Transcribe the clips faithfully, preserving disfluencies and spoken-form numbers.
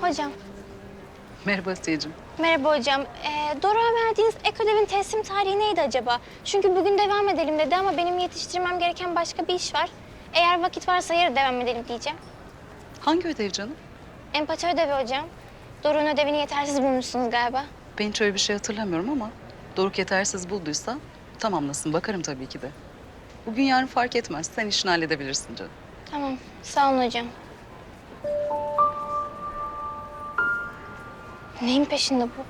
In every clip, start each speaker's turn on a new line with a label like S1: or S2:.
S1: Hocam.
S2: Merhaba Asiye'cim.
S1: Merhaba hocam. Ee, Doruk'a verdiğiniz ek ödevin teslim tarihi neydi acaba? Çünkü bugün devam edelim dedi ama benim yetiştirmem gereken başka bir iş var. Eğer vakit varsa yarın devam edelim diyeceğim.
S2: Hangi ödev canım?
S1: Empati ödevi hocam. Doruk'un ödevini yetersiz bulmuşsunuz galiba.
S2: Ben hiç öyle bir şey hatırlamıyorum ama Doruk yetersiz bulduysa tamamlasın. Bakarım tabii ki de. Bugün yarın fark etmez. Sen işini halledebilirsin canım.
S1: Tamam, sağ olun hocam. Neyin peşinde bu?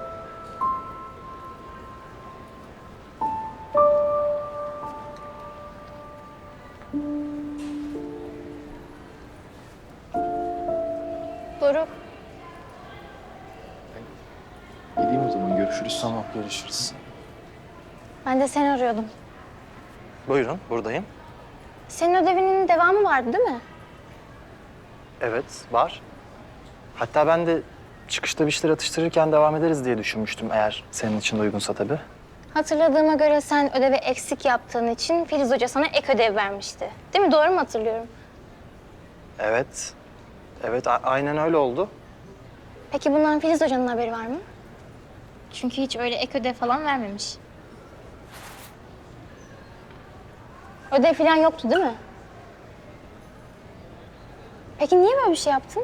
S1: Doruk,
S3: Gideyim o zaman, görüşürüz. Tamam, görüşürüz.
S1: ben de seni arıyordum.
S4: Buyurun, buradayım.
S1: Senin ödevinin devamı vardı değil mi?
S4: Evet, var. Hatta ben de çıkışta bir şeyler atıştırırken devam ederiz diye düşünmüştüm, eğer senin için de uygunsa tabii.
S1: Hatırladığıma göre sen ödevi eksik yaptığın için Filiz Hoca sana ek ödev vermişti. Değil mi? Doğru mu hatırlıyorum?
S4: Evet, evet a- aynen öyle oldu.
S1: Peki bundan Filiz Hoca'nın haberi var mı? Çünkü hiç öyle ek ödev falan vermemiş. Ödev falan yoktu değil mi? Peki niye böyle bir şey yaptın?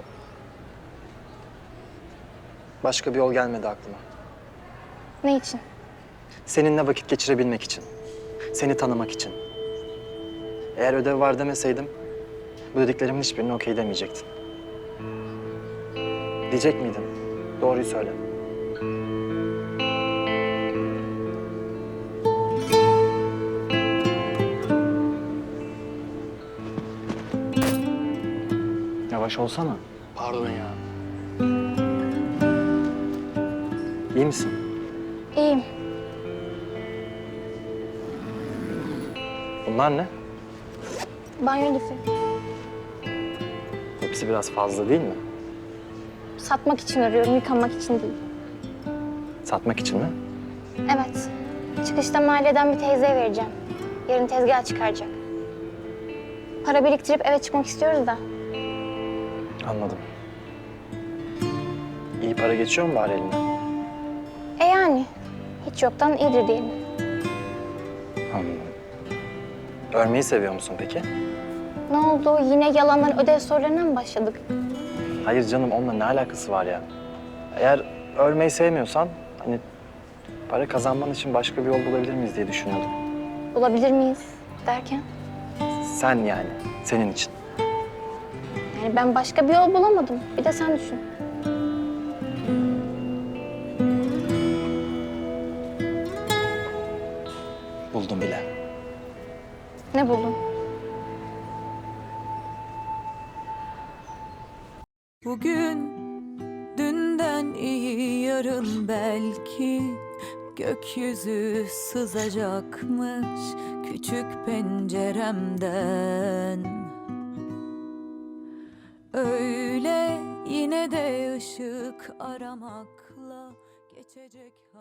S4: Başka bir yol gelmedi aklıma.
S1: Ne için?
S4: Seninle vakit geçirebilmek için, seni tanımak için. Eğer ödev var demeseydim, bu dediklerimin hiçbirini okey demeyecektin. Diyecek miydin? Doğruyu söyle. Yavaş olsana.
S3: Pardon ya.
S4: İyi misin?
S1: İyiyim.
S4: Bunlar ne?
S1: Banyo lifi.
S4: Hepsi biraz fazla değil mi?
S1: Satmak için arıyorum, yıkanmak için değil.
S4: Satmak için mi?
S1: Evet. Çıkışta mahalleden bir teyzeye vereceğim. Yarın tezgah çıkaracak. Para biriktirip eve çıkmak istiyoruz da.
S4: Anladım. İyi para geçiyor mu bari eline?
S1: E yani. Hiç yoktan iyidir diyelim.
S4: Anladım. Örmeyi seviyor musun peki?
S1: Ne oldu? Yine yalandan ödev sorularına mı başladık?
S4: Hayır canım, onunla ne alakası var ya? Eğer örmeyi sevmiyorsan, hani para kazanman için başka bir yol bulabilir miyiz diye düşünüyordum.
S1: Bulabilir miyiz derken?
S4: Sen yani, senin için.
S1: Yani ben başka bir yol bulamadım. Bir de sen düşün.
S4: Buldum bile.
S1: Ne buldun?
S5: Bugün dünden iyi, yarın belki gökyüzü sızacakmış küçük penceremden. Öyle yine de ışık aramakla geçecek.